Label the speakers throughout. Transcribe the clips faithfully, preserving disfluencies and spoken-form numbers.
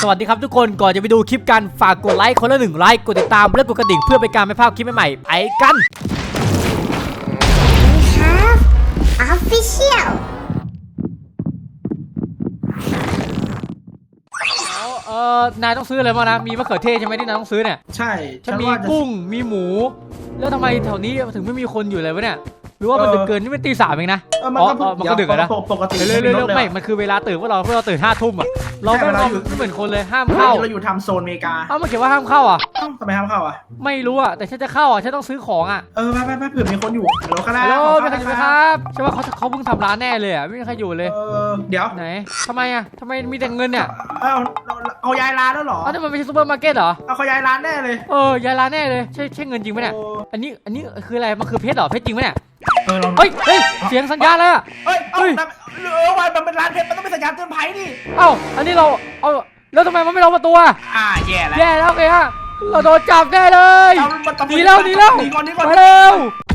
Speaker 1: สวัสดีครับทุกคนก่อนจะไปดูคลิปกันฝากกดไลค์คนละหนึ่งไลค์กดติดตามและกดกระดิ่งเพื่อเป็นการไม่พลาดคลิปใหม่ๆไปกัน
Speaker 2: We have official
Speaker 1: เออนายต้องซื้ออะไรบ้างนะมีมะเขือเทศใช่ไหมที่นายต้องซื้อเนี่ย
Speaker 3: ใช่
Speaker 1: ฉันมีกุ้งมีหมูแล้วทำไมแถวนี้ถึงไม่มีคนอยู่เลยวะเนี่ยหรือว่ามันดึกเกินนี่มันตีสามเองนะอ๋อมันก็ดึกแล้วนะ
Speaker 3: ปกติ
Speaker 1: เร็วๆไม่มันคือเวลาตื่นว่าเราเราตื่นห้าทุ่มอ่ะเราไม่เราไม่เหมือนคนเลยห้ามเข้า
Speaker 3: เราอยู่ทำโซนอเมริกา
Speaker 1: เอ้ามันเขียนว่าห้ามเข้าอ่ะ
Speaker 3: ทำไมห้ามเข้าอ่ะ
Speaker 1: ไม่รู้อ่ะแต่ฉันจะเข้าอ่ะฉันต้องซื้อของอ่ะ
Speaker 3: เออไปไปไปเผื่อมีคนอยู่ฮัลโหลครับ
Speaker 1: ฮัลโหลมีใครอยู่ไหมครับใช่ว่าเขาเขาเพิ่งทำร้านแน่เลยอ่ะไม่มีใครอยู่เลย
Speaker 3: เออเดี๋ยว
Speaker 1: ไหนทำไมอ่ะทำไมมีแต่เงินเนี่ย
Speaker 3: เอาเอาย้ายร้านแล้วหรอ
Speaker 1: อ้าวนี่มันไม่ใช่ซูเปอร์มาร์เก็ตเหรอ
Speaker 3: เอาเขาย้ายร้านแน่เลย
Speaker 1: เออย้ายร้านแน่เลยใช่ใช่เงินจริงไหมเนี่ยอันนี้อันนี้คืออะไรมันคือเพชรเหรอเพชรจริงไหมเนี่ยเฮ้ยเฮ้ยเสียงสัญญาณแล้ว
Speaker 3: เฮ้ยเฮ้ยเออวันมันเป็นร้านเพชรมันต้องเป็นสัญญาณเตือนภัยดิ
Speaker 1: เอ้าอันนี้เราเอาแล้วทำไมมันไม่ล็อกประตูอ่ะ
Speaker 3: อ่าแย่แล้ว
Speaker 1: แย่แล้วไงฮะเราโดนจับแน่เลยหนีแล้วหนีแล้วมาเร็ว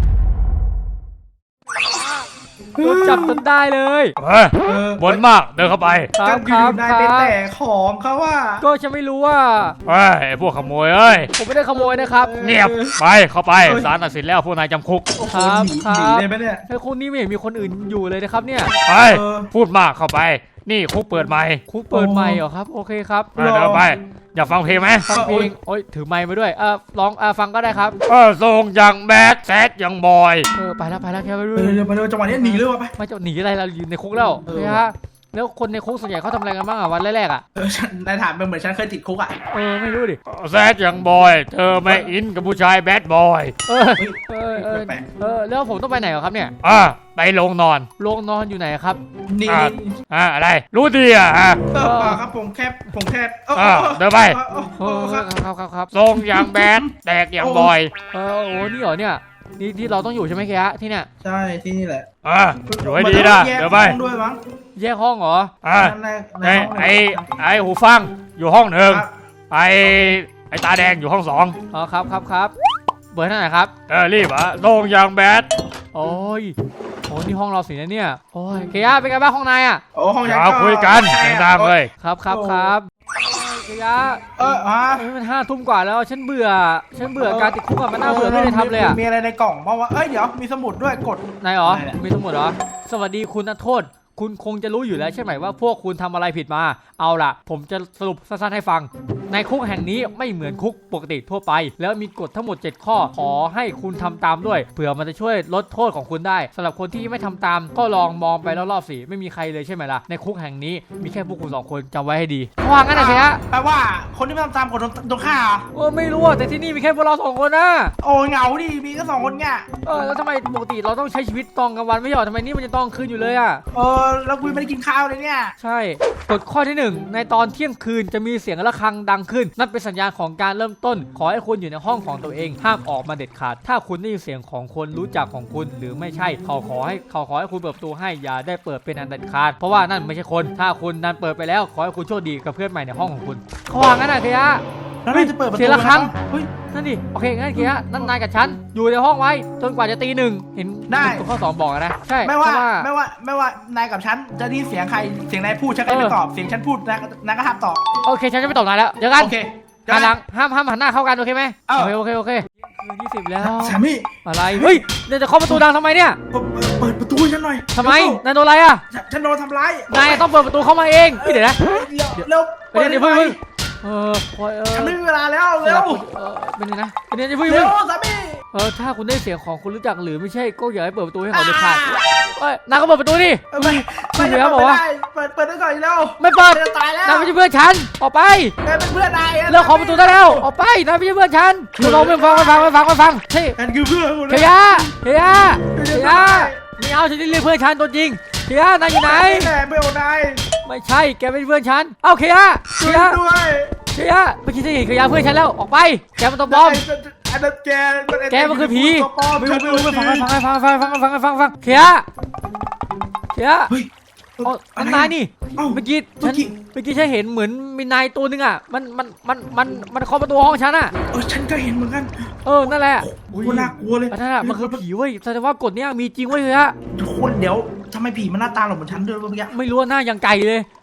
Speaker 1: โดนจับจนได้เลย
Speaker 4: บนมากเดินเข้าไป
Speaker 1: ครับครับ
Speaker 3: ครับแต่ของเขาว่า
Speaker 1: ก็ฉันไม่รู้ว่า
Speaker 4: เฮ้ยพวกขโมยเอ้ย
Speaker 1: ผมไม่ได้ขโมยนะครับ
Speaker 4: เงียบไปเข้าไปศาลตัดสินแล้วพวกนายจำคุก
Speaker 1: ครับครับ
Speaker 3: ได้ไหมเนี่ย
Speaker 1: ไอ้คนนี้ไม่เห็นมีคนอื่นอยู่เลยนะครับเนี่ย
Speaker 4: ไปพูดมากเข้าไปนี่คุกเปิดไมค์
Speaker 1: คุกเปิดไมค์เหรอครับโอเคครับ
Speaker 4: เดินไปอยากฟังเพลงไหม
Speaker 1: ฟังเพลงโอ้ยถือไมค์มาด้วยเออร้องเออฟังก็ได้ครับ
Speaker 4: เออส่งอย่างแบดแซดอย่างบอย
Speaker 1: เออไปแล้วไปแล้วแค่ไป
Speaker 3: เร็วไปเร็วจังหวะนี้หนีเลยวะไป
Speaker 1: ไม่จะหนีอะไรเราอยู่ในคุกแล้วนะฮะแล้วคนในคุกส่วนใหญ่เขาทำอะไรกันบ้างอ่ะวันแรกๆอ่ะ
Speaker 3: เออฉันนายถามเป็นเหมือนฉันเคยติดคุกอ่ะ
Speaker 1: เออไม่รู้ดิ
Speaker 4: แซดอย่างบอยเธอไม่อินกับผู้ชายแบดบอย
Speaker 1: เออเออเออเออแล้วผมต้องไปไหนครับเนี่ย
Speaker 4: อ่าไปโรงนอน
Speaker 1: โรงนอนอยู่ไหนครับ
Speaker 3: นี่
Speaker 4: อ่าอะไรรู้ดีอ่ะ
Speaker 3: ฮะเออครับผมแคบผมแคบ
Speaker 4: เออเดินไป
Speaker 1: ครับครับครับ
Speaker 4: ทรงอย่างแบดแตกอย่างบอย
Speaker 1: เออโอ้นี่เหรอเนี่ยนี่ที่เราต้องอยู่ใช่ไหมแกที่เนี่ย
Speaker 3: ใช่ที่นี่แหละ
Speaker 4: อ่าอยู่ให้ดีนะเดี๋ยวไป
Speaker 1: แยกห้องเหรอ
Speaker 4: อ่าไอไอไอหูฟังอยู่ห้องหนึ่งไอไอตาแดงอยู่ห้องสอง
Speaker 1: อ๋อครับครับครับเบอร์เท่าไหร่ครับ
Speaker 4: เออรีบอ่ะทรงอย่างแบด
Speaker 1: โอ้ยโอ้นี่ห้องเราสินะเนี่ยโอ้ยเคียเป็นไงบ้างห้องนายอ่ะ
Speaker 3: โอ้ห้อง
Speaker 4: ยาวคุยกันดังๆเลย
Speaker 1: ครับครับครับเคีย
Speaker 3: เออฮะ
Speaker 1: มันห้าทุ่มกว่าแล้วฉันเบื่อฉันเบื่อการติดคุกอะมันน่าเบื่อไม่ได้ทำเลยอะ
Speaker 3: มีอะไรในกล่องบ้างวะเอ้ยเดี๋ยวมีสมุดด้วยกด
Speaker 1: นายเหรอมีสมุดเหรอสวัสดีคุณนักโทษคุณคงจะรู้อยู่แล้วใช่ไหมว่าพวกคุณทำอะไรผิดมาเอาล่ะผมจะสรุปสั้นๆให้ฟังในคุกแห่งนี้ไม่เหมือนคุกปกติทั่วไปแล้วมีกฎทั้งหมดเจ็ดข้อขอให้คุณทำตามด้วยเผื่อมันจะช่วยลดโทษของคุณได้สำหรับคนที่ไม่ทำตามก็ลองมองไปรอบๆสิไม่มีใครเลยใช่ไหมล่ะในคุกแห่งนี้มีแค่พวกคุณสองคนจำไว้ให้ดีว่างั้นนะเชีย
Speaker 3: แปลว่าคนที่ไม่ทำตามกฎโดนฆ่า
Speaker 1: เออไม่รู้แต่ที่นี่มีแค่พวกเราสองคนนะ
Speaker 3: โอ้เหงาดิมีแค่สองคนเงี้ย
Speaker 1: เออแล้วทำไมปกติเราต้องใช้ชีวิตตอนกลางวันไม่ใช่หรอทำไมนี่มันจะต้องคืนอยู่เลยอ่ะ
Speaker 3: เออแล้วคุยไม่ได้กินข้าวเลยเนี่ย
Speaker 1: ใช่กฎข้อที่หนึ่งในตอนเที่ยงคืนจะมีเสียงระฆังดังขึ้นนั่นเป็นสัญญาณของการเริ่มต้นขอให้คุณอยู่ในห้องของตัวเองห้ามออกมาเด็ดขาดถ้าคุณได้ยินเสียงของคนรู้จักของคุณหรือไม่ใช่เขาขอให้เขาขอให้คุณเปิดประตูให้อย่าได้เปิดเป็นอันเด็ดขาดเพราะว่านั่นไม่ใช่คนถ้าคุณนั้นเปิดไปแล้วขอให้คุณโชคดีกับเพื่อนใหม่ในห้องของคุณเขาว่างั้นนะเคียะ
Speaker 3: แล้วเราจะเปิดประตู
Speaker 1: เสียงระฆังเฮ้ยนั่นดิโอเคงั้นเคียะนั่นนายกับฉันอยู่ในห้องไว้จนกว่าจะตีหนึ่งเห็นได้ข้อสองบอกนะใช่
Speaker 3: ไม่ว่าไม่ว่าไม่ว่านายกับฉันจะได้เสียงใครเสียงนายพูดฉันก็ไม่ตอบเสียงฉันพูดนายนายก็ห้ามตอบ
Speaker 1: โอเคฉันจะไม่ตอบนายแล้วเดี๋ยวกัน
Speaker 3: โอเค
Speaker 1: หันหลังห้ามห้ามหันหน้าเข้ากันโอเคไหมโอเคโอเคโอเคคืนยี่สิบแล้ว
Speaker 3: สามี
Speaker 1: อะไรเฮ้ยเดี๋ยวจะเคาะประตูดังทำไมเนี่ย
Speaker 3: เปิดประตูฉันหน่อย
Speaker 1: ทำไมนายโดนอะไรอ่ะ
Speaker 3: ฉันโดนทำร้าย
Speaker 1: นายต้องเปิดประตูเข้ามาเองเดี๋ยวนะ
Speaker 3: เร็ว
Speaker 1: เดี๋ยวเดี๋ยวเพิ่งเออ
Speaker 3: ฉันไม่มีเวลาแล้วเร็ว
Speaker 1: เป็นไงนะเป็นไงจะพึ่ง
Speaker 3: เร็วสามี
Speaker 1: เออถ้าคุณได้เสียงของคุณรู้จักหรือไม่ใช่ก็อย่าให้เปิดประตูให้เขาเด็ดขาดเอ้ยนายก็เปิดประตูดิ
Speaker 3: ไม่ไม่
Speaker 1: ได้บอกว่า
Speaker 3: เปิดเปิดได้ก่อนแล้ว
Speaker 1: ไม่เปิด
Speaker 3: จะตายแล้ว
Speaker 1: นายไม่ใช่เพื่อนฉันออกไป
Speaker 3: นายเป็นเพื่อนนาย
Speaker 1: เลิกขอประตูได้แล้วออกไปนายไม่ใช่เพื่อนฉันเราไม่ฟังไม่ฟังไม่ฟังไม่ฟังเฮ้ย
Speaker 3: นั่นคือเพื่อน
Speaker 1: เฮียเฮียเฮียไม่เอาฉันจะเรียกเพื่อนฉันตัวจริงเฮียนายอยู่ไหน
Speaker 3: แม่ไม่เอานาย
Speaker 1: ไม่ใช่แกเป็นเพื่อนฉันเอ้าเฮียเฮีย
Speaker 3: ด้วย
Speaker 1: เฮียเมื่อกี้ฉันเห็นเฮียเพื่อนฉันแล้วออกไปแกมันตัวบอม
Speaker 3: อันนั้นแก
Speaker 1: แกมันคือผีไม่รู้ไม่รู้ไม่ฟังไม่ฟังไม่ฟังฟังฟังฟังฟังฟังเฮียเฮียเฮ้ยมันนายนี่เมื่อกี้ฉันเมื่อกี้ฉันเห็นเหมือนมีนายตัวนึงอ่ะมันมันมันมันมันเคาะประตูห้องฉันอ่ะ
Speaker 3: เออฉันก็เห็นเหมือนกัน
Speaker 1: เออนั่นแหละ
Speaker 3: โอ้ยน่ากลัวเลย
Speaker 1: นั่นแหละมันคือผีเว้ยแสดงว่ากฎเนี้ยมีจริงเว้ยเฮีย
Speaker 3: ทุกคนเดี๋ยวทำไมผีมันหน้าตาเหมือนฉันด้วยเมื่อกี้
Speaker 1: ไม่รู้หน้ายังไก่เลย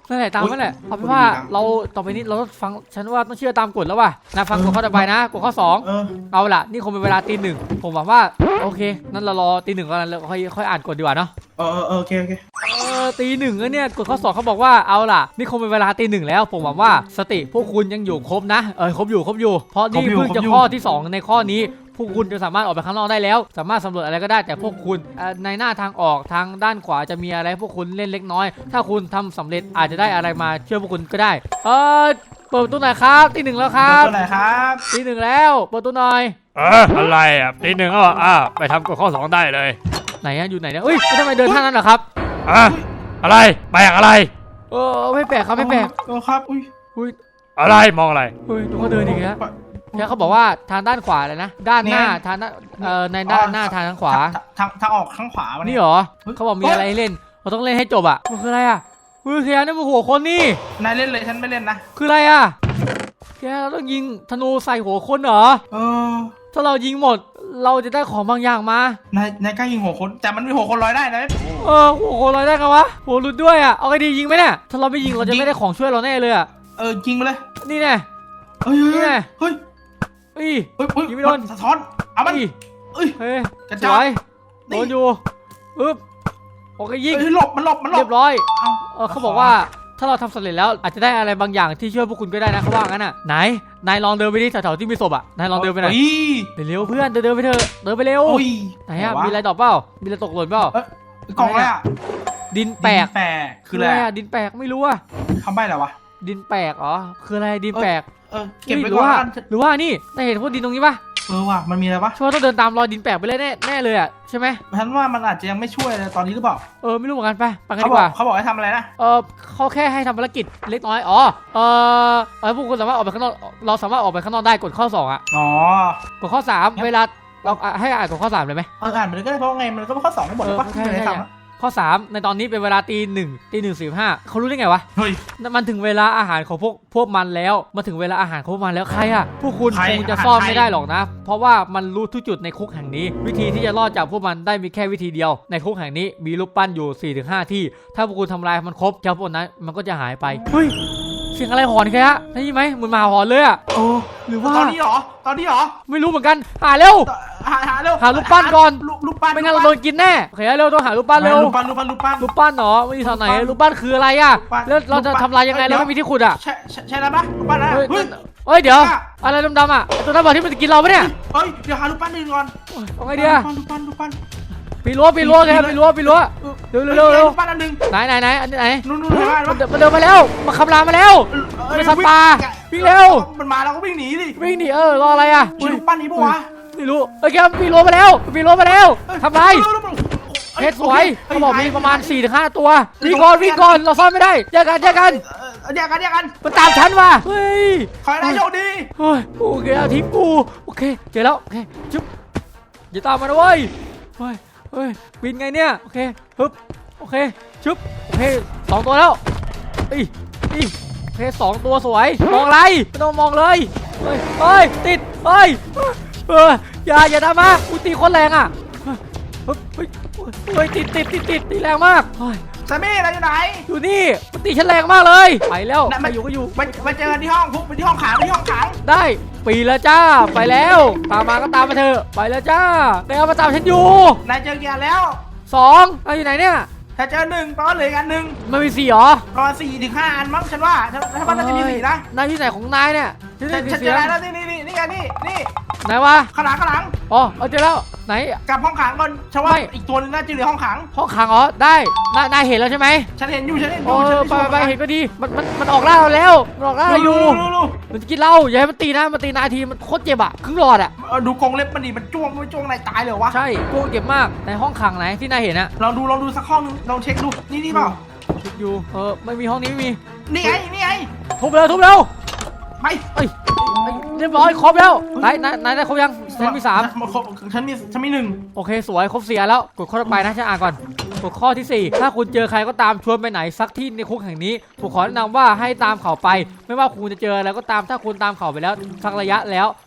Speaker 1: นั่นแหละตามนั่นแหละเอาเป็นว่าเราต่อไปนี้เราต้องฟังฉันว่าต้องเชื่อตามกฎแล้วว่ะนะฟังกฎข้อต่อไปนะกฎข้อสอง
Speaker 3: เออ
Speaker 1: เอาล่ะนี่คงเป็นเวลาตีหนึ่งผมหวังว่าโอเคนั่นเรารอตีหนึ่งก่อนแล้วค่อยค่อยอ่านกฎดีกว่าเนาะ
Speaker 3: เออเออโอเคโอเค
Speaker 1: เออตีหนึ่งแล้วเนี่ยกฎข้อสองเขาบอกว่าเอาล่ะนี่คงเป็นเวลาตีหนึ่งแล้วผมหวังว่าสติพวกคุณยังอยู่ครบนะเออครบอยู่ครบอยู่เพราะนี่เพิ่งจะข้อที่สองในข้อนี้พวกคุณจะสามารถออกไปข้างนอกได้แล้วสามารถสำรวจอะไรก็ได้แต่พวกคุณในหน้าทางออกทางด้านขวาจะมีอะไรพวกคุณเล่นเล็กน้อยถ้าคุณทำสำเร็จอาจจะได้อะไรมาช่วยพวกคุณก็ได้เออเปิดประตูหน่อยครับตีหนึ่งแล้วครับ
Speaker 3: ตัวไหนครับ
Speaker 1: ตีหนึ่งแล้วเปิดประตูหน่อย
Speaker 4: เอออะไรอ่ะตีหนึ่งก็อ่ะไปทำกฎข้อสองได้เลย
Speaker 1: ไหนอะอยู่ไหนเนี่ยเอ้ยทำไมเดินท่านั้นเหรอครับ
Speaker 4: อ่ะอะไรแปลกอะไร
Speaker 1: เออไม่แปลกครับไม่แปลก
Speaker 3: เออครับอุ้ย
Speaker 1: อุ้ย
Speaker 4: อะไรมองอะไร
Speaker 1: อุ้ยดูเขาเดินอีกแล้วแล้วเขาบอกว่าทางด้านขวาเลยนะด้านหน้าทางด้านเอ่อในด้านหน้าทางทางขวา
Speaker 3: ทางทางออกข้างขวาวัน
Speaker 1: นี่
Speaker 3: นี้
Speaker 1: เหรอเขาบอกมีอะไรให้เล่นเราต้องเล่นให้จบอ่ะมันคืออะไรอ่ะเฮ้ยแค่นี่มันหัวคนนี่
Speaker 3: นายเล่นเลยฉันไม่เล่นนะ
Speaker 1: คืออะไรอ่ะแกเราต้องยิงธนูใส่หัวคนเหรอ
Speaker 3: เออ
Speaker 1: ถ้าเรายิงหมดเราจะได้ของบางอย่างมาน
Speaker 3: ายนายกล้ายิงหัวคนแต่มันมีหัวคนลอยได้นะ
Speaker 1: เออหัวคนลอยได้ไงวะหัวหลุดด้วยอ่ะเอาไงดียิงไหมเนี่ยถ้าเราไม่ยิงเราจะไม่ได้ของช่วยเราแน่เลยอ่ะ
Speaker 3: เออยิงไปเลย
Speaker 1: นี่แน่
Speaker 3: เฮ้ย
Speaker 1: นี่
Speaker 3: เฮ้ย
Speaker 1: ไง
Speaker 3: เฮ้ย
Speaker 1: อี
Speaker 3: เฮ้ยเฮ้ย
Speaker 1: ยิงไม่โดน
Speaker 3: สะท้อนเอามัน
Speaker 1: อี
Speaker 3: เอ้ย
Speaker 1: เฮ้ย
Speaker 3: กระ
Speaker 1: ส
Speaker 3: จา
Speaker 1: วย ยโดนอยู่อึ๊บโอเคยิง
Speaker 3: เฮ้ยหลบมันหลบมันหล
Speaker 1: เรี
Speaker 3: บ
Speaker 1: ยบร้อย
Speaker 3: เอา
Speaker 1: เออเขาบอกว่าถ้าเราทำสำเร็จแล้วอาจจะได้อะไรบางอย่างที่ช่วยพวกคุณก็ได้นะเขาว่างั้นอ่ะไหนนายลองเดินไปที่แถวๆที่มีศพอ่ะนายลองเดินไปหน่อย
Speaker 3: เฮ้ย
Speaker 1: เร็วๆเพื่อนเดินเดินไปเถอะเดินไปเร็ว
Speaker 3: โอ้ย
Speaker 1: ไหนอ่ะมีอะไรดอกเปล่ามีอะไรตกหล่นเปล่า
Speaker 3: เอ้ยกล่องอะไรอ่ะ
Speaker 1: ดินแปลก
Speaker 3: แปลกคืออะไร
Speaker 1: อ่ะดินแปลกไม่รู้อ่ะ
Speaker 3: คำใบ้อะไรวะ
Speaker 1: ดินแปลกอ๋อคืออะไรดินแปลก
Speaker 3: เออเก็บไว้
Speaker 1: หรื
Speaker 3: ก่อน
Speaker 1: ว่า
Speaker 3: แล้วกัน
Speaker 1: หรือว่านี่นายเห็นพวกดินตรงนี้ปะ
Speaker 3: เออว่ะมันมีอะไรวะ
Speaker 1: ช่วยต้องเดินตามรอยดินแปลกไปเลยแน่แน่เลยอ่ะใช่ไหม
Speaker 3: ฉันว่ามันอาจจะยังไม่ช่วยเลยตอนนี้หรือเปล่า
Speaker 1: เออไม่รู้เหมือนกันไปไปกัน
Speaker 3: เขา
Speaker 1: ดี
Speaker 3: บ
Speaker 1: ก
Speaker 3: อก
Speaker 1: ว่า
Speaker 3: เขาบอกให้ทำอะไรนะ
Speaker 1: เออเขาแค่ให้ทำภารกิจเล็กน้อยอ๋อเออเออพวกคุณสามารถออกไปข้างนอกเราสามารถออกไปข้างนอกได้กดข้อสองอ่ะ
Speaker 3: อ๋อก
Speaker 1: ดข้อสามเวลาเราอ่ะให้อ่านกดข้อสามเลยไหม
Speaker 3: เอออ่านไปเลยก็ได้เพราะว่าไงมันก็เป็นข้อสองก็บอกเลยปะ
Speaker 1: เออใช่
Speaker 3: ไม่ได้
Speaker 1: ใช่
Speaker 3: ทำอะ
Speaker 1: ข้อสามในตอนนี้เป็นเวลาตีหนึ่งตีหนึ่งสี่ห้าเขารู้ได้ไงวะ
Speaker 3: เฮ้ย
Speaker 1: มันถึงเวลาอาหารของพวกพวกมันแล้วมาถึงเวลาอาหารของพวกมันแล้วใครอะพวกคุณ
Speaker 3: ใคร
Speaker 1: คงจะ
Speaker 3: อาหาร
Speaker 1: ซ่อน
Speaker 3: ใคร
Speaker 1: ไม่ได้หรอกนะ เพราะว่ามันรู้ทุกจุดในคุกแห่งนี้ วิธีที่จะรอดจากพวกมันได้มีแค่วิธีเดียวในคุกแห่งนี้มีรูปปั้นอยู่ สี่ถึงห้า ที่ ถ้าพวกคุณทำลายมันครบเจ้าพวกนั้นมันก็จะหายไปเฮ้ยเสียงอะไรหอนแค่ฮะได้ยินไหมเหมือนหมาหอนเลยอะ
Speaker 3: โอ้
Speaker 1: หรือว่า
Speaker 3: ตอนนี้เหรอตอนนี้เหรอ
Speaker 1: ไม่รู้เหมือนกันหาเร็ว
Speaker 3: หาหาเร็ว
Speaker 1: หารูปปั้นก่อน
Speaker 3: รูปรูปปั้น
Speaker 1: ไม่งั้นเราโดนกินแน่โอเคเร็วต้องหารูปปั้นเร็ว
Speaker 3: รูปปั้นรูปปั้นรูปปั้น
Speaker 1: รูปปั้นเหรอไม่มีทางไหนรูปปั้นคืออะไรอะ
Speaker 3: รูปปั้น
Speaker 1: แล้วเราจะทำลายยังไง
Speaker 3: เดี๋
Speaker 1: แล้
Speaker 3: ยว ว
Speaker 1: ไม่มีที่ขุดอะ
Speaker 3: ใช่ใช่ใช่แล้วปะรูปปั้นนะ
Speaker 1: เฮ้ย
Speaker 3: เฮ้ย
Speaker 1: เฮ้ยเดี๋ยวอะไรดำๆอ่ะไอ้ตัวนั้นบอกที่มันจะกินเราปะเนี่ย
Speaker 3: เฮ้ยเดี๋ยวหารูปปั้นอื่นก่อน
Speaker 1: เอาไงดีอะ
Speaker 3: รูปปั้นรูปปั้น
Speaker 1: ปีรั้วปีรั้วแกปีรั้วปีรั้วเร็วเร็วเร็วเร็ว
Speaker 3: รูปปั้นอันหนึ่ง
Speaker 1: ไหนไหนไหนอันไหน
Speaker 3: นู่นนู่นเห็นไหม
Speaker 1: มันเดินมันเดินมาแล้วมาคำรามมาแล้ว มันเป็นสัตว์ป่าวิ่งเร็ว
Speaker 3: มันมาเราก็วิ่งหนีดิ
Speaker 1: วิ่งหนีเออรออะไรอ่ะ
Speaker 3: ใช่รูปปั้นนี้ปะวะ
Speaker 1: ไม่รู้เอ้ยแกปีรั้วมาแล้วปีรั้วมาแล้วทำไร
Speaker 3: เอ้
Speaker 1: เฮ็ดสวยเขาบอกมีประมาณ สี่ถึงห้า ตัววิ่งก่อนวิ่งก่อนเราซ่อนไม่ได้แยกกันแยกกัน
Speaker 3: เออเดี๋ยวกันเดี๋ยวกัน
Speaker 1: มันตามฉันว่ะเฮ้ย
Speaker 3: ขอให้นายโชคดี
Speaker 1: เฮ้ยโอเคเอาทิ้งกูโอเคเจอแล้วโอเคจุ๊บอย่าตามมานะเว้ยเฮ้ยเฮ้ยบินไงเนี่ยโอเคฮึบโอเคชุบโอเคสองตัวแล้วอีอีโอเคสองตัวสวยมองอะไรไม่ต้องมองเลยเฮ้ยเฮ้ยติดเฮ้ยเอออย่าอย่าตามมากูตีคนแรงอ่ะเฮ้ยเฮ้ยเฮ้ยติดติดติดติดตีแรงมากเฮ้ย
Speaker 3: ซามี่เราอยู่ไหน
Speaker 1: อยู่นี่มันตีฉันแรงมากเลยไปแล้ว
Speaker 3: น่ะ
Speaker 1: ไปอยู่ก็อยู่
Speaker 3: ไปไปเจอกันที่ห้องพุกไปที่ห้องขังไปที่ห้องขัง
Speaker 1: ได้ปีแล้วจ้าไปแล้วตามมาก็ตามมาเถอะไปแล้วจ้าแกเอามาตามฉันอยู่
Speaker 3: นายเจอเกียร์แล้ว
Speaker 1: สองเอาอยู่ไหนเนี่ย
Speaker 3: ถ้าเจอหนึ่งแปลว่าเหลืออีกอันหนึ่ง
Speaker 1: มันมีสี่เหรอ
Speaker 3: ประมาณสี่ถึงห้าอันมั้งฉันว่าถ้าถ้ามันน่าจะมีสี่นะ
Speaker 1: นายที่ไหนของนายเนี่ยฉัน
Speaker 3: ฉั
Speaker 1: ได้
Speaker 3: น
Speaker 1: ยิ
Speaker 3: ฉั
Speaker 1: น
Speaker 3: น
Speaker 1: เสี
Speaker 3: เจ
Speaker 1: ย
Speaker 3: อง แล้วนี่นี่นี่นี่ไงนี่นี่
Speaker 1: ไหนวะ
Speaker 3: ข้างหลังข้างหลัง
Speaker 1: อ๋อเอาเจอแล้วไหน
Speaker 3: กลับห้องขังก่อนฉันว่า
Speaker 1: ไม่
Speaker 3: อีกตัวนึงน่าจะเหลือห้องขัง
Speaker 1: ห้องขังอ๋อได้นายนายเห็นแล้วใช่ไหม
Speaker 3: ฉันเห็นอยู่ฉันเห็นอ
Speaker 1: โอ้
Speaker 3: ยู่ฉัน
Speaker 1: ไปไปไปเห็นก็ดีมันมันมันออกล่าเราแล้วมันออกล่าเราอยู่
Speaker 3: ดูดู
Speaker 1: มันจะกินเราอย่าให้มันตีนะมันตีนายทีมันโคตรเจ็บอะครึ่งหลอดอะ
Speaker 3: เออดูกรงเล็บมันดิมันจ้วงมันจ้วงนายตายเลยวะ
Speaker 1: ใช่กูเจ็บมากในห้องขังไหนที่นายเห็นอะ
Speaker 3: ลองดูลองดูสักห้องนึงลองเช็คดูนี่นี่เปล่า
Speaker 1: คิดอยู่เออไม่มีห้องนี้ไม่มี
Speaker 3: นี่ไงนี่ไง
Speaker 1: ทุบเร็วทุบเร็ว
Speaker 3: ไป
Speaker 1: เอ้ยเอ้ยเรียบร้อยครบแล้วนายนายนายได้ครบยังฉันมีสาม
Speaker 3: ฉันมีฉันมีหนึ่ง
Speaker 1: โอเคสวยครบเสียแล้วกดข้อต่อไปนะฉันอ่านก่อนกดข้อที่สี่ถ้าคุณเจอใครก็ตามชวนไปไหนสักที่ในคุกแห่งนี้ผมขอแนะนำว่าให้ตามเขาไป ไม่ว่าคุณจะเจออะไรก็ตามถ้าคุณตามเขาไปแล้วสักระยะแล้ว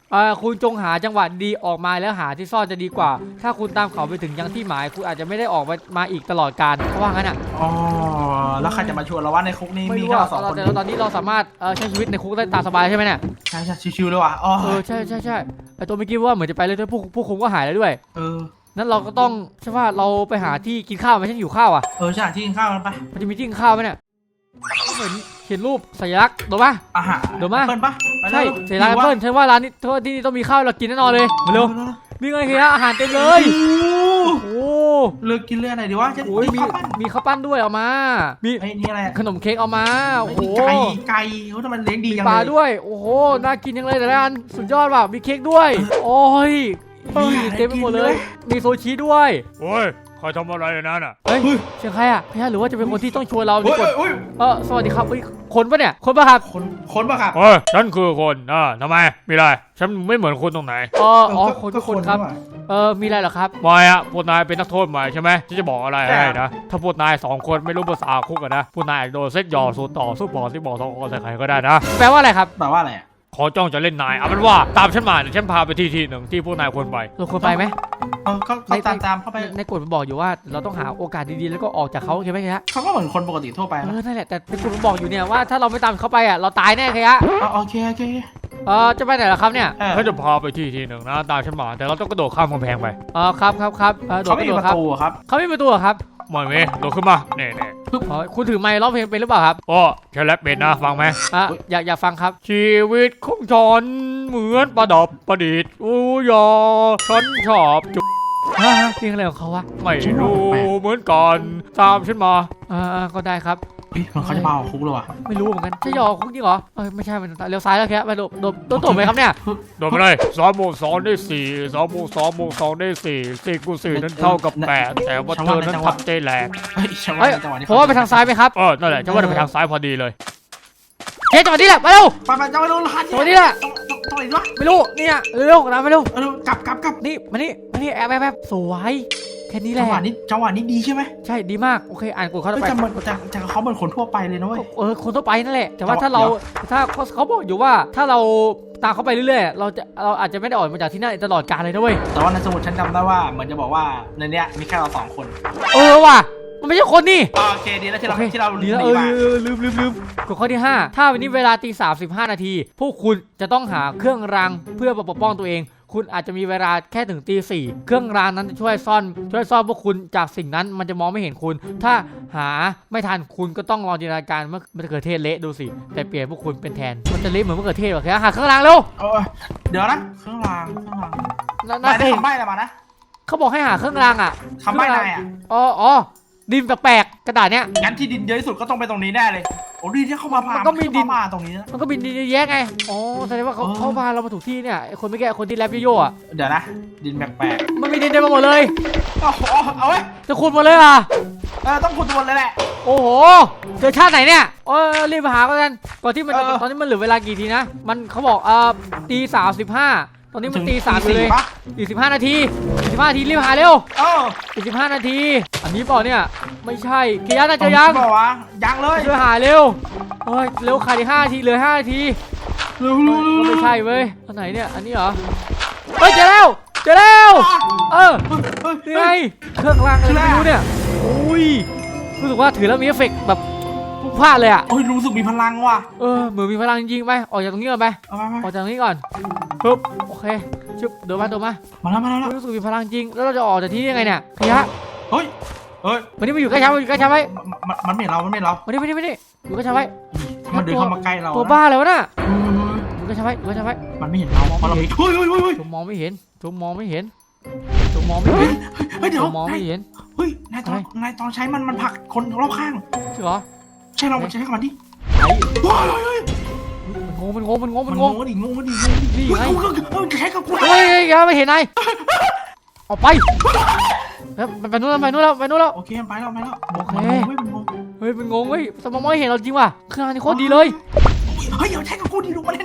Speaker 1: เอ่อคุณจงหาจังหวะดีออกมาแล้วหาที่ซ่อนจะดีกว่า ถ้าคุณตามเขาไปถึงยังที่หมายคุณอาจจะไม่ได้ออกมามาอีกตลอดกาลเพราะว่างั้นอ่ะ
Speaker 3: อ๋อแล้วใครจะมาชวนเราว่าในคุกนี้
Speaker 1: ไม่
Speaker 3: มี
Speaker 1: รู้
Speaker 3: แค่
Speaker 1: ว่า
Speaker 3: เราสองคน
Speaker 1: แต่ตอนนี้เราสามารถเอ่อใช้ชีวิตในคุกได้ตามสบายใช่ไหมเนี่ย
Speaker 3: ใช่ใช่ชิวๆเลยว่ะอ๋อ
Speaker 1: เออใช่ใช่ใช่ไอตัวเมื่อกี้ว่าเหมือนจะไปเลยด้วยผู้ผู้คุมก็หายแล้วด้วย
Speaker 3: เออ
Speaker 1: นั้นเราก็ต้องใช่ว่าเราไปหาที่กินข้าวไหมฉันอยู่ข้าวอ่ะ
Speaker 3: เออใช่ที่กินข้าวกันไป
Speaker 1: มันจะมีที่กินข้าวไหมเนี่ยเหมือนเขียนรูปสัญลักษณ์ถูกปะ
Speaker 3: อาหาร
Speaker 1: เดี๋ยวมา
Speaker 3: เปิ้ลปะไป
Speaker 1: ใช่
Speaker 3: ร็ว
Speaker 1: สัญลักษณ์แอปเปิ้ลฉันว่าร้านนี้ที่นี่ต้องมีข้าวเรากินแน่นอนเลยมาเร็วมีเงินเฮียอาหารเต็มเลย
Speaker 3: โอ้
Speaker 1: โอ้
Speaker 3: เลือกกินเรื่องไหนดีวะจะ
Speaker 1: โหมี
Speaker 3: ข้าวปั้น
Speaker 1: มีข้าวปั้นด้วยเอามา มี
Speaker 3: ไอ้นี่อะไรอะ
Speaker 1: ขนมเค้กเอามาโอ้โห
Speaker 3: ไก่ไก่เขาทำไมเลี้ยงดี
Speaker 1: มี
Speaker 3: จัง
Speaker 1: ปลา
Speaker 3: เลย
Speaker 1: ด้วย โอ้โห น่ากินจังเลยแต่ละอันสุดยอดว่ะ มีเค้กด้วย โอ้ยนี่เต็มไปหมดเลย มีโซชิด้วย
Speaker 4: โอ้ยใครทำอะไรในนั้นอ่ะ
Speaker 1: เฮ้ยเสียงใครอ่ะพี่ฮะหรือว่าจะเป็นคนที่ต้องชวนเราดี
Speaker 3: เฮ้ย
Speaker 1: กว่า
Speaker 3: เฮ้ย
Speaker 1: เออสวัสดีครับเฮ้ยคนปะเนี่ย คนปะครับ
Speaker 3: คนคนปะครับ
Speaker 4: เฮ้ยฉันคือคนอ่าทำไมมีอะไรฉันไม่เหมือนคนตรงไหน
Speaker 1: เอออ๋อ
Speaker 3: ก็
Speaker 1: คน
Speaker 3: ก็
Speaker 1: ทุกคนครับ
Speaker 3: ว่ะ
Speaker 1: เออ มีอะไรเหรอครับ
Speaker 4: ไม่อะพวกนายเป็นนักโทษใหม่ใช่ไหมฉันจะบอกอะไร
Speaker 3: ใช่
Speaker 4: ให้นะ ถ้าพวกนายสองคนไม่รู้ภาษาคุกกันนะพวกนายอาจโดนเซ็ตหยอดสูตรต่อสู้บอกที่บอกสองคนใส่ใครก็ได้นะ
Speaker 1: แปลว่าอะไรครับ
Speaker 3: แปลว่าอะไรอ่ะ
Speaker 4: ขอจ้องจะเล่นนายเอาเป็นว่าตามฉันมาเดี๋ยวฉันพาไปที่ที่หนึ่งที่พวกนายควรไป
Speaker 1: เราควรไปไหม
Speaker 3: เออก็ก็ตามตามเข้าไป
Speaker 1: ในในกฎมันบอกอยู่ว่าเราต้องหาโอกาสดีๆแล้วก็ออกจากเขาใช่ไหมครับ
Speaker 3: เขาก็เหมือนคนปกติทั่วไป
Speaker 1: เอ
Speaker 3: นะ
Speaker 1: อ นั่นแหละ แต่ในกฎมันบอกอยู่เนี่ยว่าถ้าเราไม่ตามเขาไปอ่ะเราตายแน่ครับ
Speaker 3: อ๋อโอเคโอเค
Speaker 1: เออจะไปไหนล่ะครับเนี่ย
Speaker 3: เออ
Speaker 4: ฉันจะพาไปที่ที่หนึ่งนะตามฉันมาแต่เราต้องกระโดดข้ามกำแพงไป
Speaker 1: เออครับครับครับเออโด
Speaker 3: เขา
Speaker 1: ด
Speaker 3: ไม่
Speaker 1: ก
Speaker 3: มี
Speaker 1: ระโด
Speaker 3: ป
Speaker 1: ด
Speaker 3: ระ
Speaker 1: ครับ
Speaker 3: ตูอะครับ
Speaker 1: เขาไม่มีประตูเหรอครับ
Speaker 4: ไม่เมโดดขึ้นมาเน่เน่
Speaker 1: อ๋อคุณถือไมค์ร้องเพลงเป็นหรือเปล่าครับ
Speaker 4: โอ้ฉันแรปเป็นนะฟังไหม
Speaker 1: อ่ะอยากอยากฟังครับ
Speaker 4: ชีวิตของฉันเหมือนประดับประดิษฐ์อู้ยอฉันชอบจุ
Speaker 1: ฮะเพลงอะไรของเขาวะ
Speaker 4: ไม่รู้เหมือนกันตามฉันมา
Speaker 1: เออเออก็ได้ครับ
Speaker 3: เฮ้ยมันเขาจะมาเอาคุกเลยว่ะ
Speaker 1: ไม่รู้เหมือนกันใช่หยอกคุกจริงเหรอเออไม่ใช่มันเลี้ยวซ้ายแล้วแค่ไปโดดโดดโดดตบไหมครับเนี่ย
Speaker 4: โดนไปเลยสองบวกสองได้สี่สองบวกสองบวกสองได้สี่สี่คูณสี่นั้นเท่ากับแปดแต่ว่าเธอนั้นทำใจแหลก
Speaker 3: เฮ้ยจังหวะ
Speaker 1: เฮ้ย
Speaker 3: นี้จังหวะนี้
Speaker 1: ผมว่าไปทางซ้ายไหมครับ
Speaker 4: เออนั่นแหละฉันว่าจะไปทางซ้ายพอดีเลย
Speaker 1: เฮ้ยจังหวะนี้แหละมาเร็ว
Speaker 3: ไปไปจังหวะนู้นหัน
Speaker 1: จังหวะนี้แหละ
Speaker 3: จังหวะนี้วะ
Speaker 1: ไม่รู้เนี่ยเร็วๆนะไม่เร็ว
Speaker 3: เออ กลับกลับกลับ
Speaker 1: นี่มานี่มานี่แอบแอบแอบสวยแค่นี้แห
Speaker 3: จั
Speaker 1: ละ
Speaker 3: งหวะนี้จังหวะนี้ดีใช่ไหม
Speaker 1: ใช่ดีมากโอเคอ่านกฎเขา
Speaker 3: เฮ้ย
Speaker 1: ไป
Speaker 3: จะเหมือนจะจะเขาเหมือนคนทั่วไปเลยนะเว้ย
Speaker 1: เออคนทั่วไปนั่นแหละแต่ว่า
Speaker 3: แต่ว่า
Speaker 1: ถ้าเรา
Speaker 3: เดี๋ยว
Speaker 1: ถ้าเขาเขาบอกอยู่ว่าถ้าเราตามเขาไปเรื่อยๆเราจะเราอาจจะไม่ได้ออกมาจากที่นั่นตลอดกาลเลยนะเว้ย
Speaker 3: แต่ว่าในสมุดฉันจำได้ว่าเหมือนจะบอกว่าในเนี้ยมีแค่เราสองคน
Speaker 1: เออว่ะมันไม่ใช่คนนี่
Speaker 3: อ๋อโอเคดีแล้วที่เรา
Speaker 1: โอค
Speaker 3: ที่เรา
Speaker 1: ดีแล้ว
Speaker 3: ห
Speaker 1: เอ
Speaker 3: นี
Speaker 1: อ
Speaker 3: มา
Speaker 1: เออลืมลืมลืมกฎข้อที่ห้าถ้าวันนี้เวลาตีสามสิบห้านาทีพวกคุณจะต้องหาเครื่องรางเพื่อปกป้องตัวเอง คุณอาจจะมีเวลาแค่ถึงตีสี่เครื่องรางนั้นจะช่วยซ่อนช่วยซ่อนพวกคุณจากสิ่งนั้นมันจะมองไม่เห็นคุณ ถ้าหาไม่ทันคุณก็ต้องลองจินตนาการว่ามะเขือเทศเละดูสิแต่เปลี่ยนพวกคุณเป็นแทนมันจะเละเหมือนมะเขือเทศหรอแค่หาเครื่องรางเร็ว
Speaker 3: เออเดี๋ยวนะเครื่องรางเครื่องราง
Speaker 1: น่า
Speaker 3: นา
Speaker 1: น่าย เค
Speaker 3: ได้
Speaker 1: ย
Speaker 3: คำใบ้อะไรมานะ
Speaker 1: เขาบอกให้หาเครื่องรางอ่ะ
Speaker 3: คำใบ้นายอ่ะ
Speaker 1: อ๋ออ๋อดินแปลกๆกระดาษเนี้ย
Speaker 3: งั้นที่ดินเยอะที่สุดก็ต้องไปตรงนี้แน่เลยโอ้ดินที่เข้ามาผ่า
Speaker 1: มั
Speaker 3: มัน
Speaker 1: ก็มีดิน
Speaker 3: เข้ามาตรงนี้นะ
Speaker 1: มันก็บินดีแยะไงอ๋อแสดงว่าเขา
Speaker 3: อ๋อ
Speaker 1: เขาพาเรามาถูกที่เนี่ยไอ้คนไม่แก่คนที่แรปโย่ๆอ่ะ
Speaker 3: เดี๋ยวนะ ดินแปลก
Speaker 1: มันมีดินเต็มไปหมดเลย
Speaker 3: ๆเอาเอาเอาไว้
Speaker 1: จะขุดหมดเลยอ่ะ
Speaker 3: เออต้องขุดตัวเลยแหละ
Speaker 1: โอ้โหเจอชาติไหนเนี่ยเออรีบไปหากันก่อนที่มันจะ
Speaker 3: เออ
Speaker 1: ตอนนี้มันเหลือเวลากี่ทีนะ มันเขาบอกเออตีสามสิบห้าตอนนี้มันตีสามอยู่เลย
Speaker 3: ปะ
Speaker 1: อีกสิบห้านาทีอีกสิบห้านาทีรีบหาเร็ว
Speaker 3: เออ
Speaker 1: อีกสิบห้านาที อันนี้เปล่าเนี่ยไม่ใช่เกียร์น่าจะยัง
Speaker 3: บอกว่ายังเลย
Speaker 1: ช่วยหาเร็วเฮ้ยเร็วขาดอีกห้านาทีเหลือห้านาที
Speaker 3: เร็ว
Speaker 1: เฮ้
Speaker 3: เร็วย เร็ว
Speaker 1: ไม่ใช่เว้ยอันไหนเนี่ยอันนี้เหรอเฮ้ยเจอแล้วเจอแล้ว เออ
Speaker 3: เฮ้ย
Speaker 1: นี่ไงเครื่องรางอะไรไม่รู้เนี่ยอุ้ยรู้สึกว่าถือแล้วมีเอฟเฟกต์แบบพุ่งพลาดเลยอ่ะ
Speaker 3: โอ้ยรู้สึกมีพลังว่ะ
Speaker 1: เออเหมือนมีพลังจริงๆไปออกจากตรงนี้ก่อนไป
Speaker 3: เอามามา
Speaker 1: ออกจากตรงนี้ก่อนปึ๊บโอเคชึบเดินมาเดินมา
Speaker 3: มาแล้วมาแล้ว
Speaker 1: รู้สึกมีพลังจริงแล้วเราจะออกจากที่นี่ยังไงเนี่ยพยะ
Speaker 3: เฮ้ยเฮ้ย
Speaker 1: วันนี้มาอยู่ใกล้ช้างมาอยู่ใกล้ช้างไว้
Speaker 3: มันมันไม่เห็นเรามันไม่เห็นเรา
Speaker 1: วันนี้วันนี้วันนี้อยู่ใกล้ช้างไว้
Speaker 3: มันเดินเข้ามาใกล้เรา
Speaker 1: ตัว
Speaker 3: นะ
Speaker 1: บ้าเลยวะน่ะ
Speaker 3: เออ
Speaker 1: อยู่ใกล้ช้างไว้อยู่ใกล้ช้างไว้
Speaker 3: มันไม่เห็นเราเพราะเรามีเฮ้ยเฮ้ยเฮ้ยเฮ้ย
Speaker 1: จมมองไม่เห็นจมมองไม่เห็นจมมองไม่
Speaker 3: เฮ้
Speaker 1: เห็
Speaker 3: ย
Speaker 1: น
Speaker 3: เฮ้ยเดี๋
Speaker 1: จ
Speaker 3: ยว
Speaker 1: มมองไม่เห็น
Speaker 3: เฮ้ยนายตอนนายตอนใช้มันมันผลักคนรอบข้าง
Speaker 1: ใช่เหรอ
Speaker 3: ใช่เราใช้กับมันดิ
Speaker 1: ไอ้
Speaker 3: ว้าวเฮ้ย
Speaker 1: มันงงมันงงมันงง
Speaker 3: มั
Speaker 1: มัน น
Speaker 3: ง
Speaker 1: ง
Speaker 3: ง
Speaker 1: ง
Speaker 3: ดิงงดิงงดิ
Speaker 1: นี่ไง
Speaker 3: เฮ้ยเฮ้ยใช้กับกู
Speaker 1: เฮ้ยเฮ้ยอย่าไปเห็นนายออกไปแล้วมันไปนู่นแล้วไปนู่นแล้วไปนู่นแล้ว
Speaker 3: โอเคไปแล้วไปแล้ว
Speaker 1: โอเค
Speaker 3: มันงงเว้ยมันงง
Speaker 1: เฮ้ยมันงงเฮ้ยสมองไม่เห็นเราจริงว่ะเครื่องรางนี่โคตรดีเลย
Speaker 3: เฮ้ยเดี๋ยวใช้กับกูดิดูมันเล่นกู
Speaker 1: มึ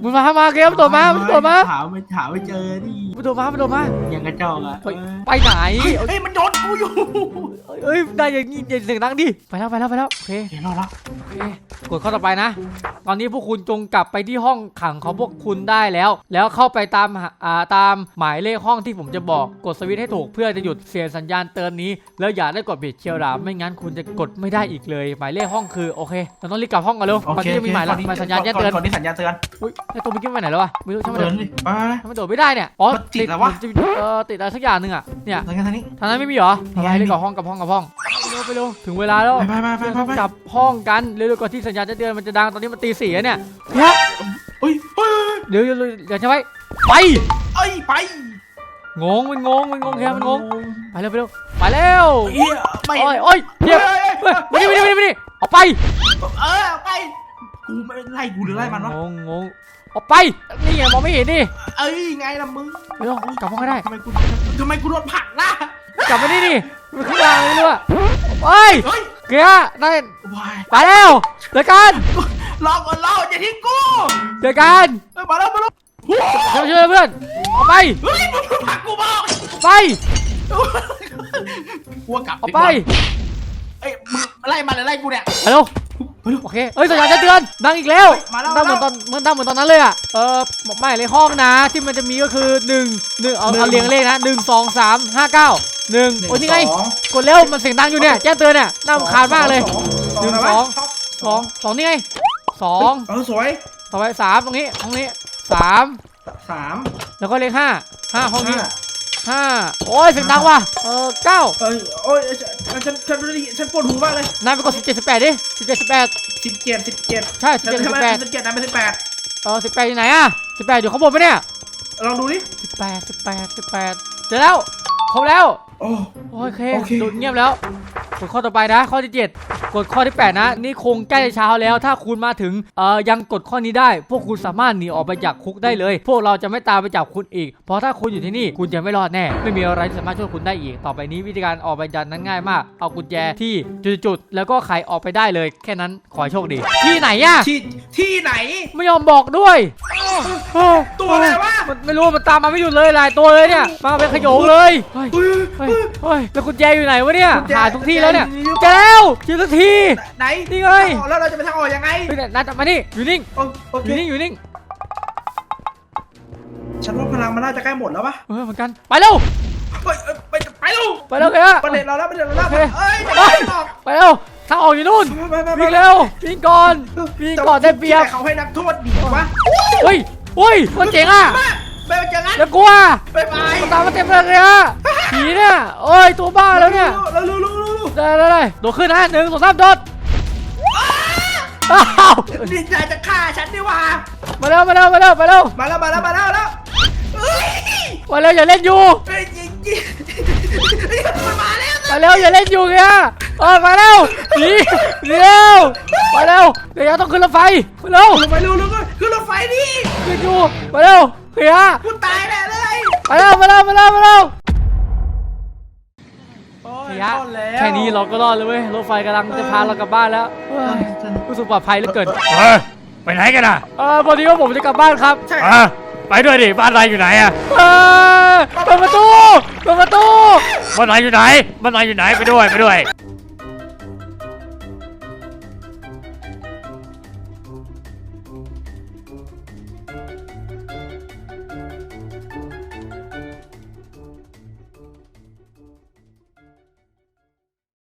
Speaker 1: มึงมามาเกมตัวมาตัวมา
Speaker 3: ถามไม่ถามไม่เจอดิ
Speaker 1: มึงตัวมามึงตัวมา
Speaker 3: ยังกระจอกอ่ะ
Speaker 1: ไปไปไหน
Speaker 3: เฮ้ยมันโดนกูอยู่
Speaker 1: เอ้ยได้อย่างงี้เสียงดังดิไปแล้วไปแล้วไปแล้วโอเค
Speaker 3: เดี๋ยวรอละ
Speaker 1: โอเคกดข้อต่อไปนะ ตอนนี้พวกคุณจงกลับไปที่ห้องขังของพวกคุณได้แล้ว แล้วเข้าไปตามหาอ่าตามหมายเลขห้องที่ผมจะบอกกดสวิตช์ให้ถูกเพื่อจะหยุดเสียงสัญญาณเตือนนี้แล้วอย่าได้กดผิดเชียวหลามไม่งั้นคุณจะกดไม่ได้อีกเลย หมายเลขห้องคือโอเคเราต้องรีบกลับห้องกันเร็ว
Speaker 3: โอ
Speaker 1: ตอน
Speaker 3: เค
Speaker 1: นี้มีหมายหมายสัญญาณแจ้งเตือน
Speaker 3: ก่อนที่สัญญาณเตือน
Speaker 1: อุ้ยไอตัวเมื่อกี้ไปไหนแล้ววะไม่รู้ช่างมัน
Speaker 3: เตื
Speaker 1: เถ
Speaker 3: อน
Speaker 1: อะ
Speaker 3: ดิไป
Speaker 1: ทำไมโดดไม่ได้เนี่ยอ๋อ
Speaker 3: มันติดแล้ววะ
Speaker 1: ติดเอ่อติดอะไรสักอย่างหนึ่งอ่ะเนี่ย
Speaker 3: ทางนี้ทางนี้
Speaker 1: ทางนั้นไม่มีเหรอ
Speaker 3: มี
Speaker 1: อะไรเลยกับห้องกับห้องกับห้องไปเร็วไปเร็วถึงเวลาแล้ว
Speaker 3: ไปไปไปไปไป
Speaker 1: กลับห้องกันเร็วๆก่อนที่สัญญาณจะเตือนมันจะดังตอนนี้มันตีสี่แล้วเนี่ยเนี่ย
Speaker 3: เฮ้ยเฮ้ย
Speaker 1: เดี๋ยวเดี๋ยวเดี๋ยวจะไปไป
Speaker 3: เอ้ยไป
Speaker 1: งงมันงงมันงงแค่มันงงไปเร็วไปเร็วไปเร็ว
Speaker 3: เฮียไม่
Speaker 1: โอ้ยโอ้ยเดี๋ยวเฮ้ยมาดิมาดิมาดิมาดิออกไป
Speaker 3: เออไปกูไม่ไล่กูหรือไล่มันวะ
Speaker 1: งงงงออกไปนี่ไงมองไม่เห็นดิ
Speaker 3: เอ้ยไงล่ะมึง
Speaker 1: ไปเร็วกลับห้องก็ได้
Speaker 3: ทำไมกูทำไมกูโดนผลักล่ะ
Speaker 1: กลับมานี่ดิมันขึ้นมาไม่รู้อะไป
Speaker 3: เฮ้ย
Speaker 1: เกียร์ได้
Speaker 3: วาย
Speaker 1: ไปแล้วเจอกัน
Speaker 3: รอก่อนรออย่าทิ้งกู
Speaker 1: เจอกัน
Speaker 3: เฮ้ยมาแล้วมาแล้ว
Speaker 1: ช่วยช่วยเพื่อนออกไป
Speaker 3: เฮ้ยมึงผลักกูมา
Speaker 1: ไป
Speaker 3: กูกลับ
Speaker 1: ออกไป
Speaker 3: เอ้ยมึงไล่มาเลยไล่กูเนี่ย
Speaker 1: ไปเร็ว
Speaker 3: ไปดู
Speaker 1: โอเคเอ้ยสัญญาณจะเตือนดังอีกแล้ว
Speaker 3: มาแล้ว
Speaker 1: ดังเหมือนตอนเหมือนดังเหมือนตอนนั้นเลยอ่ะเออไม่เลยห้องนะที่มันจะมีก็คือหนึ่งหนึ่งเอาเอาเรียงเลขนะหนึ่งสองสามห้าเก้าหนึ่งโอ้ยนี่ไงกดเร็วมันเสียงดังอยู่เนี่ยแจ้งเตือนเนี่ยน่ารำคาญมากเลย หนึ่งสอง สองสองนี่ไงสอง
Speaker 3: เออสวย
Speaker 1: ต่อไปสามตรงนี้ตรงนี้สาม
Speaker 3: สาม
Speaker 1: แล้วก็เลขห้าห้าห้องนี้ห้าโอ้ยเสียงดังว่ะเออเก้า
Speaker 3: เอ้ยโอ้ยฉันฉันฉันฉันปวดหูมากเลย
Speaker 1: นายไปกดสิบเจ็ดสิบแปดดิสิบเจ็ดสิบแปด
Speaker 3: สิบเจ็ดสิบเจ็ด
Speaker 1: ใช่สิบ
Speaker 3: ฉัน
Speaker 1: เจ็ดสิ
Speaker 3: ทำ
Speaker 1: บ
Speaker 3: ไม
Speaker 1: แปด
Speaker 3: สิบเจ็ดนะไม่สิบแปด
Speaker 1: เออสิบแปดอยู่ไหนอะสิบแปดอยู่ข้างบนปะเนี่ย
Speaker 3: ลองดูดิ
Speaker 1: สิบแปดสิบแปดสิบแปดเจอแล้วครบแล้ว
Speaker 3: โอ้
Speaker 1: โอเค
Speaker 3: โอเค
Speaker 1: ดูดเงียบแล้วกดข้อต่อไปนะ ข้อที่เจ็ดกดข้อที่แปดนะนี่คงใกล้เช้าแล้วถ้าคุณมาถึงเอ่อยังกดข้อนี้ได้ พวกคุณสามารถหนีออกไปจากคุกได้เลย พวกเราจะไม่ตามไปจับคุณอีก เพราะถ้าคุณอยู่ที่นี่คุณจะไม่รอดแน่ไม่มีอะไรที่สามารถช่วยคุณได้อีก ต่อไปนี้วิธีการออกไปจากนั้นง่ายมากเอากุญแจที่จุดๆแล้วก็ไขออกไปได้เลย แค่นั้นขอให้โชคดี ที่ไหนอะ
Speaker 3: ที่ที่ไหน
Speaker 1: ไม่ยอมบอกด้วย
Speaker 3: ตัวอะไรวะ
Speaker 1: มันไม่รู้มันตามมาไม่หยุดเลยหลายตัวเลยเนี่ยมาเป็นขโยงเลยเฮ้ย
Speaker 3: เฮ้ย
Speaker 1: เฮ้ยเฮ้ยแล้วกุญแจอยู่ไหนวะเนี่ย
Speaker 3: กุญแจ
Speaker 1: หาทุกที่แล้วเนี่ย
Speaker 3: กุญแจอยู่
Speaker 1: เจอแล้วเจอสักที
Speaker 3: ไหน
Speaker 1: นี่ไง
Speaker 3: แล้วเราจะไปทางออกยังไง
Speaker 1: เฮ้ยนัดมานี่อยู่นิ่ง
Speaker 3: โอโอ
Speaker 1: อ
Speaker 3: เค
Speaker 1: ยู่นิ่งอยู่นิ่ง
Speaker 3: ฉันว่าพลังมันน่าจะใกล้หมดแล้วปะ
Speaker 1: เออเหมือนกันไปเร็ว
Speaker 3: ไปไปไปเร็ว
Speaker 1: ไปเร็วเฮ้ย
Speaker 3: ประเด็นเราแล้วประเด็นเราแล้ว
Speaker 1: โอเค
Speaker 3: เอ้ย
Speaker 1: ไป
Speaker 3: ไม่หรอก
Speaker 1: ไปเร็วทางออกอยู่นู่น
Speaker 3: ไปไปไป
Speaker 1: วิ่งเร็ววิ่งก่อนวิ่งก่อนได้เปรียบ
Speaker 3: เขาให้นักโทษหนีวะ
Speaker 1: เฮ้ยเฮ้ยมันเจ๋งอ่ะ
Speaker 3: ไปไปเจอกัน
Speaker 1: อย่ากลัว
Speaker 3: ไปไป
Speaker 1: มันตามมาเต็มเลยอะผีเนี่ยโอ้ยตัวบ้าแล้วเนี่ย
Speaker 3: เรารู้รู้รู้รู้
Speaker 1: ได้ได้ได้โดดขึ้นนะหนึ่งสองสามโดดอ้าว
Speaker 3: ดินใจจะฆ่าฉันดีว่า
Speaker 1: มาเร็วมาเร็วมาเร็วมาเร็ว
Speaker 3: มาแล้วมาแล้วมาแล้วแล้วเฮ้ย
Speaker 1: มาเร็วอย่าเล่นอยู่
Speaker 3: เฮ้ยจริงจริงมันมาแล้ว
Speaker 1: มาเร็วอย่าเล่นอยู่เงี้ยเออมาเร็วหนีหนีเร็วมาเร็วเดี๋ยวต้องขึ้นรถไฟมาเร็ว
Speaker 3: ลงไปเร็วลงไปขึ้นรถไฟดิ
Speaker 1: ขึ้นอยู่มาเร็วเฮีย
Speaker 3: กูตายแน่เลย
Speaker 1: มาเร็วมาเร็วมาเร็วมาเร็ว
Speaker 3: โอ้ย
Speaker 1: เฮีย
Speaker 3: รอดแล้ว
Speaker 1: แค่นี้เราก็รอดเลยเว้ยรถไฟกำลังจะพาเรากลับบ้านแล้วเฮ้ยรู้สึกปลอดภัยเหลือเกิน
Speaker 4: เฮ้ยไปไหนกันอ่ะ
Speaker 1: เออพอดีว่าผมจะกลับบ้านครับ
Speaker 3: ใช่
Speaker 4: อ่ะไปด้วยดิบ้านนายอยู่ไหนอ่ะ
Speaker 1: เออเปิดประตูเปิดประตู
Speaker 4: บ้านนายอยู่ไหนบ้านนายอยู่ไหนไปด้วยไปด้วย